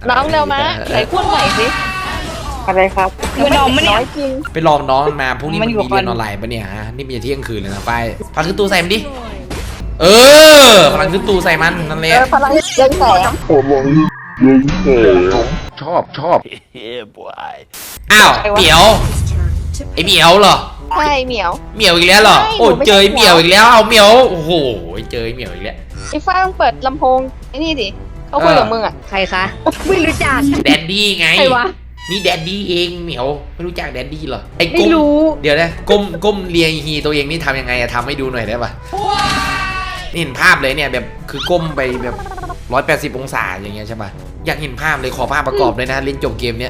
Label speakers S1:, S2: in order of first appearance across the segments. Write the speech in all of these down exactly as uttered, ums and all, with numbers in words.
S1: น้องเร็วมาไหนพูดใหม่สิอะไรครับ
S2: คือน้องไม่เนี่ย
S1: จริง
S3: ไปลองน้องมันมาพรุ่งนี้
S2: มั
S3: มัน น
S2: อยู่
S3: มี
S2: ก่อน
S3: เรียนออนไลน์ปะเนี่ยฮะนี่มันจะเที่ยงคืนเลยนะไฟพลังขึ้นตู้ใส่มันดิเออพลังขึ้นตู้ใส่มันนั่นแห
S1: เอ
S3: ละ
S1: อพลังเรืองแสง
S3: ชอบชอบอ้าวเหมียวไอเหมียวเหรอ
S1: ใช่เหมียว
S3: เหมียวอีกแล้วเหรอ
S1: ใช่
S3: โอ้
S1: หนูไม่
S3: เจอ
S1: ใช่
S3: เหมียวอีกแล้วเอาเหมียวโอ้โหเจอเหมียวอีกแล้ว
S1: ไอ้ฟ้าต้องเปิดลำโพงไอ้นี่ดิเขาคุยกับมึงอ่ะ
S2: ใครคะไม่รู้จัก
S3: แดดดี้ไง
S2: ใครวะ
S3: นี่แดดดี้เองเหมียวไม่รู้จักแดดดี้เหรอไอ้
S2: ไม่
S3: ก้ม
S2: รู้
S3: เดี๋ยวนะก้มก้มเรียงฮีตัวเองนี่ทำยังไงอะทำให้ดูหน่อยได้ปะนี่เห็นภาพเลยเนี่ยแบบคือก้มไปแบบร้อยแปดสิบองศาอย่างเงี้ยใช่ปะอยากเห็นภาพเลยขอภาพประกอบเลยนะเล่นจบเกมเนี้ย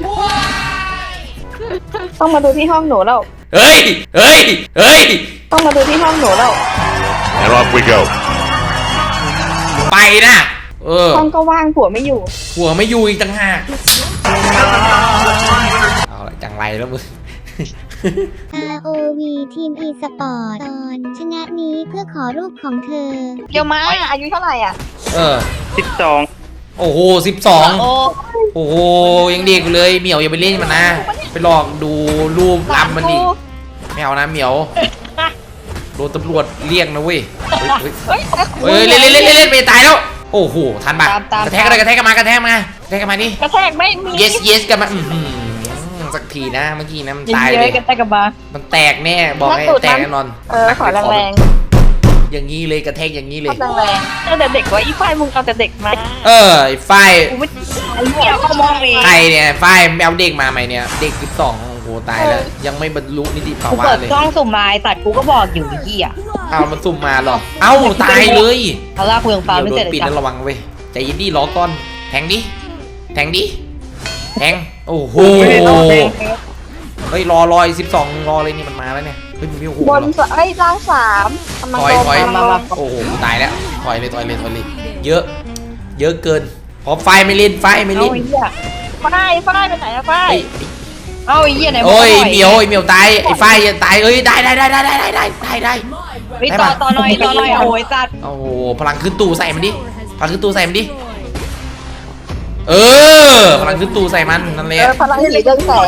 S1: ต้องมาดูที่ห้องหนูแล้ว
S3: เฮ้ยเฮ้ยเฮ้ย
S1: ต้องมาดูที่ห้องหนูแล้ว
S4: And off we go.
S3: ไปนะเออ
S1: ห้องก็ว่างผัวไม่อยู่
S3: หัวไม่อยู่อีกต่างหากเอาละจังไรแล้วมึง
S5: อาร์ โอ วี ทีม e-sport ตอนชนะนี้เพื่อขอรูปของเธอ
S1: เดี๋ยวมาอายุเท่าไหร่อ่ะ
S3: เออ
S2: สิบสอง
S3: โอ้โหสิบสอง
S1: โอ้
S3: โอ้โหยังเด็กอยู่เลยเหมียวอย่าไปเล่นมันนะไปลองดูรูปลำมันดิไม่เอานะเหมียวโดนตำรวจเรียกนะเว้ยเฮ้ย
S1: เฮ้ย
S3: เฮ้ยเล่นเล่นเล่นเล่นเล่นไปตายแล้วโอ้โหทันปะ
S2: ตามตาม
S3: กระแทกกันเลยกระแทกกันมากระแทกมากระแทกกันมาดิ
S1: กระแทกไม่มี
S3: yes yes กันมาอื้อหือสักทีนะเมื่อกี้นะมันตาย
S2: เย
S3: เล
S2: อะ
S3: ย
S2: ๆกันแต่กับมา
S3: มันแตกแน่บอกให้แตกแน่นอน
S1: เออขอแรง
S3: อย่างนี้เลยกระแทกอย่างนี้
S1: ๆ
S3: เล
S1: ขอย แรงๆตั้งแต่เด็กว่าอีฝ้ายมึงเอาแต่เด็กมา
S3: เออไอ้ฝ้าย
S2: กูไม่ไอ้เหี้ยเขามองเอง
S3: ใครเนี่ยฝ้ายแมวเด็กมาใหม่เนี่ยเด็กสิบสองโอ้โหตายแล้วยังไม่บรรลุนิติภา
S2: กู
S3: วะ
S2: เปิด
S3: เลย
S2: กล้องสุ่มมาไอ้สัตว์กูก็บอกอยู่ไอ้เหี้ย
S3: เอามันสุ่มมาหรอเอ้าตายเลย
S2: เอาล่ากูยังฟาร์ม
S3: เดี๋ยว
S2: ไม่
S3: โด
S2: เสร็จ
S3: น
S2: เลย
S3: ปิด
S2: จ้ะ
S3: นั้นระวังเว้ยใจเย็นดิรอก่อนแทงดิแทงดิแทงโอ้โหเฮ้ยรอรอยสิบสองรอเลยนี่มันมาแล้วเนี่ยเฮ้ยมันมีโอ้โห
S1: บนสไอ้ยล่างสามกำลัง
S3: ถอย
S1: โด
S3: ถอย
S1: นมามา
S3: โอ้โหตายแล้วถอยเลยถอยเลยถอยเลยเยอะ เยอะเกินพอไฟไม่เล่นไฟไม่
S2: เอา
S3: เล่น
S2: ไอ้เหี้ย
S1: ฝ้ายฝ้ายไปไหนอะฝ้าย
S3: ไอ้
S2: เอาไอ้เหี้ยไหน
S3: โอ้ย
S2: บก
S3: เหมียวไอ้เหมียวตายไอ้ไฟจะตายเอ้ยได้ได้ได้ได้ได้ได้ได้ได้ได้
S2: ไอ้ต่อต่อหน่อยต่อหน่อยโอ้ยสัตว์
S3: โอ้โหพลังขึ้นตู้ใส่มันดิพลังขึ้นตู้ใส่มันดิเออพลังขึ้นตู้ใส่มันนั่นแห
S1: เอ
S3: ละ
S1: อพลังสีเรืองแสง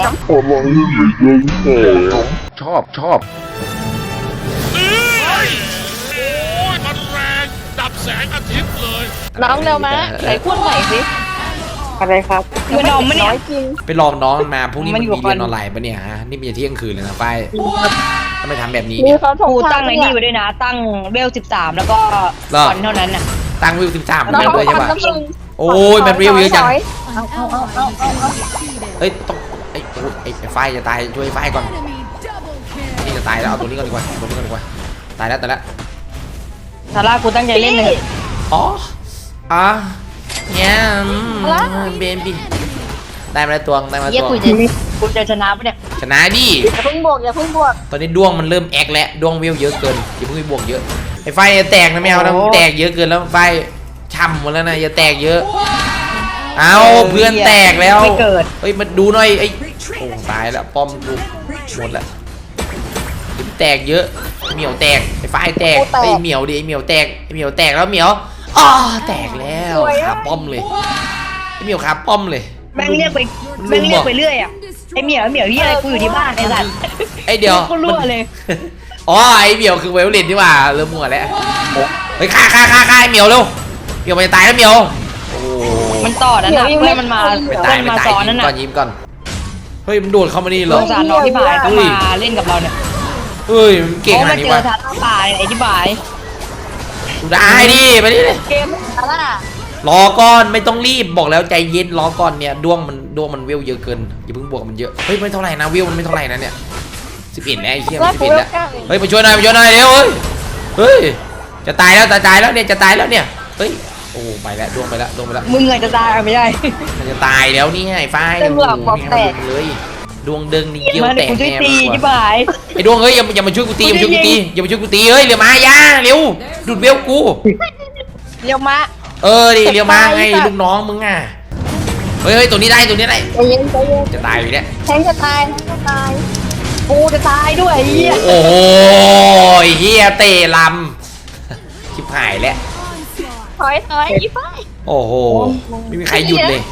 S3: ชอบชอบ
S4: โอ้ยมันแรงดับแสงอาทิตย์เลย
S1: น้องเร็วมาไหนพูดใหม่สิอะไรครับ
S2: คือน้องไม่เนี่ย
S1: จริง
S3: ไปลองน้องมันมาพรุ่งนี้
S2: มั
S3: มัน น
S2: อยู่
S3: มี
S2: ก่อน
S3: เรียนออนไลน์ปะเนี่ยฮะนี่มันจะเที่ยงคืนเลยนะไฟทำไมทำแบบนี้
S1: มี
S3: เนี่ย
S1: เขาถง
S2: กู
S1: ทา
S2: ตั้
S1: ง
S2: งไอ้นี่ไว้ด้วยนะ ตั้งเวลสิบสามแล้วก็
S3: เหรอ
S2: ตอนเท่านั้นน่ะ
S3: ตั้งวิวสิบสาม
S1: น้อง
S3: เล่น
S1: เขา
S3: เลยใช่ปะ
S1: ทำน้ำมึง
S3: โอ้ยมันวิวเยอะจัง
S1: ถ
S2: เอาเอาเอาเอาเอาเอา
S3: เฮ้ยต้องไอ้โอ้ยไอ้ไอ้ไฟจะตายช่วยไฟก่อนนี่จะตายแล้วเอาตัวนี้ก่อนดีกว่าตัวนี้ก่อนดีกว่าตายแล้วตายแล้ว
S2: ซาร่ากูตั้งใจเล่นเลย
S3: อ๋ออ่ะเนี่ยเบนบีได้มาแล้วตัวได้มาแล้ว
S2: เยี่ย
S3: ตัว
S2: กูจะกูจะชนะปะเนี่ย
S3: ชนะดิ
S1: อย่าเพิ่งบวกอย่าเพิ่งบวก
S3: ตอนนี้ดวงมันเริ่มแอกแล้วดวงวิวเยอะเกินอย่าเพิ่งไปบวกเยอะไอ้ไฟจะแตกนะไม่เอานะมันแตกเยอะเกินแล้วไฟช่ำหมดแล้วนะอย่าแตกเยอะเอาเพื่อนแตกแล้ว
S2: ไม่เกิด
S3: เฮ้ยมาดูหน่อยไอ้โอ้ตายแล้วป้อมกูหมดละเดี๋ยวแตกเยอะเหมียวแตกไอ้ไฟแตกไอ้เหมียวดิไอ้เหมียวแตกไอ้เหมียวแตกแล้วเหมียวอ๋อแตกแล้วขาป้อมเลยไอ้เหมียวขาป้อมเลย
S2: แม่งเรียกไปแม่งเรียกไปเรื่อยอ่ะไอเหมียวเหมียวเฮียอะไรกูอยู่ที่บ้านไอ้สัตว์
S3: ไอ้เดี๋ยว
S2: กูรั่วเลย
S3: อ๋อไอ้เหมียวคือไวโอลินนี่หว่าเริ่มมั่วแล้วเฮ้ยฆ่าฆ่าฆ่าฆ่าไอ้เหมียวเร็วเหมียวมันจะตายแล้วเหมียวโอ้
S2: มันต่อนั้นนะเพื่อนมันมา
S3: ไม่
S2: เพื่
S3: ตาย
S2: อน
S3: ไม่
S2: มา
S3: ตาย
S2: ซ้อน
S3: ยิ้
S2: นั่น
S3: ม
S2: น่ะ
S3: ก่อนยิ้มก่อนเฮ้ยมันโดดเข้ามานี่เหร
S2: ส
S3: อง
S2: สารน้องที่บ่ายก็มาเล่นกับเราเนี่ย
S3: เฮ้ยมันเก่ง
S2: โอ้
S3: ขนา
S2: มา
S3: ดนี้
S2: เจอ
S3: วะ
S2: ทาร่าป่าไอ้ที่บ่าย
S3: ได้ดิไปดิ
S1: เกมอะไรน่ะ
S3: รอก่อนไม่ต้องรีบบอกแล้วใจเย็นรอก่อนเนี่ยดวงมันดวงมันเวลเยอะเกินอย่าเพิ่งบวกมันเยอะเฮ้ยไม่เท่าไหร่นะเวลมันไม่เท่าไหร่นะเนี่ยสิบเอ็ดแล้วไอ้เหี้ย
S1: แล้ว
S3: สิบ
S1: กู
S3: เอ็ด
S1: เว
S3: แล้
S1: ล
S3: ว
S1: เก้าเอง
S3: เฮ้ยมาช่วยหน่อยมาช่วยหน่อยเร็วเฮ้ยเฮ้ยจะตายแล้วจะตายแล้วเนี่ยจะตายแล้วเนี่ยเฮ้ยโอ้ไปแล้วดวงไปแล้วดวงไปแล้ว
S2: มึงเงยจะตายไม่ได้
S3: มันจะตายแล้วนี่ไอ้ฝ้าย
S1: เต็มหลักบอกแตก
S3: เลยดวงเดิงนี่เยี่ยว
S2: มา
S3: แต
S2: เดี๋ยว
S3: ก
S2: กูช่วย
S3: แน่
S2: ตี
S3: มัน
S2: ที่
S3: กลัว
S2: บ่าย
S3: ไอ้ดวงเฮ้ยอย่าอย่ามาช่วยกูตีอย่ามาช่วยกูตีอย่ามาช่วยกูตีเฮ้ยเร็วมาอย่าเร็วดูดเวลกู
S2: เรียวมา
S3: เออดิเร็วมาไงลูกน้องมึงอ่ะเฮ้ยเฮ้ยตัวนี้ได้ตัวนี้ได้
S1: ใจเย็นใจเย็น
S3: จะตายอยู่เนี่ย
S1: แทงจะตายแทงจะตาย
S2: กูจะตายด้วยไอ้เหี้ย
S3: โอ้ยเฮียเตะลำชิบหายแล้ว
S1: ถอยถอยอีฝ้าย
S3: โอ้โหไม่มีใครหยุดเลย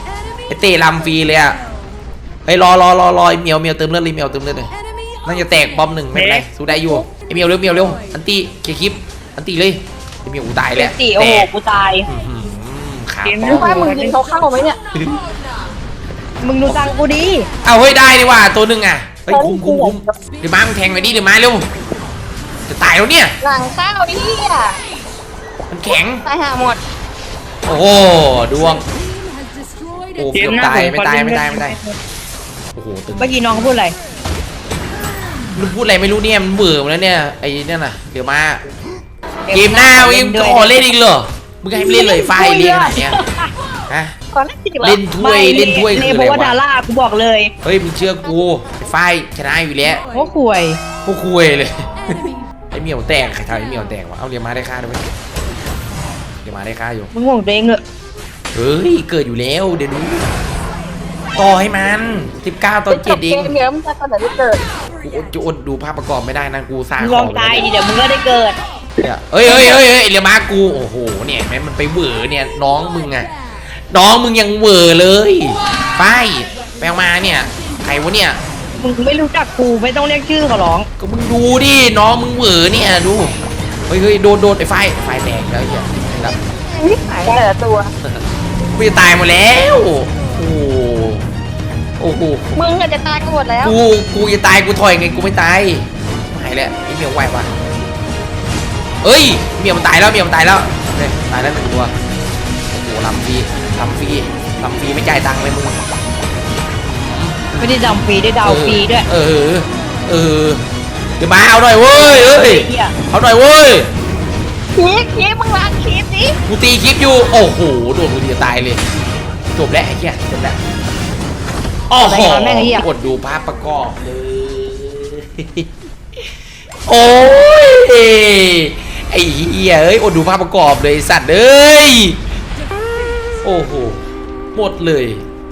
S3: ไอเต้ลำฟรีเลยอะเฮ้ยรอรอรอรอไอเหมียวเหมียวเติมเลือดเลยเหมียวเติมเลือดเลยน่าจะแตกบอมหนึ่งไม่เป็นไรสู้ได้อยู่ไอเหมียวเร็วเหมียวเร็วอันตีเคลียร์คลิปอันตีเลยไอเหมียวกูตาย
S2: เก
S3: แล้ว
S2: ตีโอ้โหกูตาย
S3: ขา
S2: เกม
S3: ป้
S2: นี้
S3: อม
S1: ว่ามึงยิงเขาเข้าไหมเนี่ย
S2: มึงดูตังกูดี
S3: เอาเฮ้ยได้ดีว่าตัวหนึ่งอ่ะเฮ้ยคุ้มคุ้มคุ้มเดี๋ยวมามึงแทงหน่อยดิเดี๋ยวมาเร็วจะตายแล้วเนี่ย
S1: หลังเข้าไอ้เหี้ย
S3: มันแข็ง
S1: ตายหาหมด
S3: โอ้โหดวงโอ้เกือบตายไม่ตายไม่ตายไม่ตายโอ้โหตึง
S2: เมื่อกี้น้องเขาพูดอะไร
S3: มันพูดอะไรไม่รู้เนี่ยมันเบื่อหมดแล้วเนี่ยไอ้นั่นน่ะเดี๋ยวมาเกมหน้ามึงขอเล่นอีกเหรอมึงให้เล่นเลยไฟเล่นอะไรเนี่ยฮะ
S1: ก่อนหน้าที่จะ
S3: เล่นถ้วยเล่นถ้วย
S2: เล
S3: คือ
S2: โบ
S3: อะไร
S2: วาดาว
S3: ะ
S2: ร่ากูบอกเลย
S3: เฮ้ยมึงเชื่อกูไอ้ไฟชนะอยู่แล้ว
S2: โอ้ข่วย
S3: พวกคุยเลยไอ้เหมียวแตกใครทำไอ้เหมียวแตกวะเอาเรียมาได้ค่าด้วยไหมเรียมาได้ค่าอยู่
S2: มึงห่วงตัวเองเหรอ
S3: เฮ้ยเกิดอยู่แล้วเดี๋ยวดูต่อให้มันสิบเก้าต่อเจ็ดเอง
S1: เกมเยอะมึงจะตอนไหนที่เกิด
S3: กูอดจะอดดูภาพประกอบไม่ได้นะกูสร้าง
S2: มึง
S3: ข
S2: ล
S3: อ
S2: อง ง
S3: ไป
S2: ตาย
S3: แล้ว
S2: ดิเดี๋ยวมึงก็ได้เกิด
S3: เนี่ยเฮ้ยเฮ้ยเฮ้ยเฮ้ยเรียมากูโอ้โหเนี่ยแม่มันไปเหวอเนี่ยน้องมึงอะน้องมึงยังเหวอเลยไปไปเอามาเนี่ยใครวะเนี่ย
S2: มึงไม่รู้จักกูไม่ต้องเรียกชื่อเขาหรอก
S3: ก็มึงดูดิน้องมึงเหวอเนี่ยดูเฮ้ยเฮ้ยโดนโดนไอ้ไฟไฟแตกแล้วไอ้เหี้ยครับ
S1: นี่หายแต่ละตัว
S3: กูจะตายหมดแล้วโอ้โหโอ้โห
S1: มึงอาจจะตายกันหมดแล้ว
S3: กูกูจะตายกูถอยไงกูไม่ตายหายแล้วไอ้เหมียวไหวปะเอ้ยเหมียวมันตายแล้วเหมียวมันตายแล้วเนี่ยตายแล้วหนึ่งตัวโอ้โหลำฟรีลำฟรีลำฟรีไม่จ่ายตังค์เลยมึง
S2: ไม่ได้ดำฟรีได้ดาวฟรีด้วย
S3: เออเออเดี๋ยวมาเอาหน่อยเว้ยเอ้ย
S2: ไอ้เหี้ย
S3: เอาหน่อยเว้ย
S1: คลิปคลิปมึงล้างคลิปดิ
S3: กูตีคลิปอยู่โอ้โหโดนกูดีจะตายเลยจบแล้วไอ้เหี้ยจบแล้วโอ้โหกดดูภาพประกอบเลยโอ้ยไอ้เหี้ยเอ้ยอดดูภาพประกอบเลยสัตว์เอ้ยโอ้โหหมดเลย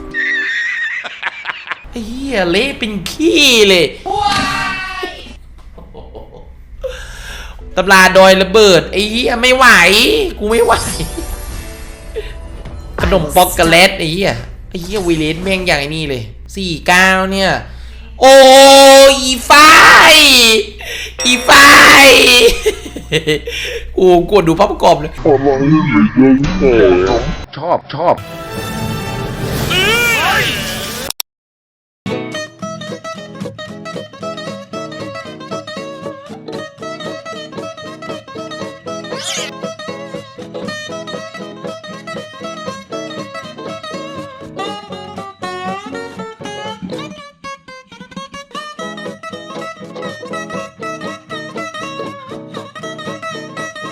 S3: ไอ้เหี้ยเละเป็นขี้เลยตำราดอยระเบิดไอ้เหี้ยไม่ไหวกูไม่ไหวขนมป๊อกโกแลตไอ้เหี้ยไอ้เหี้ยวีเลสแม่งอย่างไอ้นี่เลยสี่เก้าเนี่ยโอ้อีไฟอีไฟกูกดดูภาพประกอบเลยชอบชอบ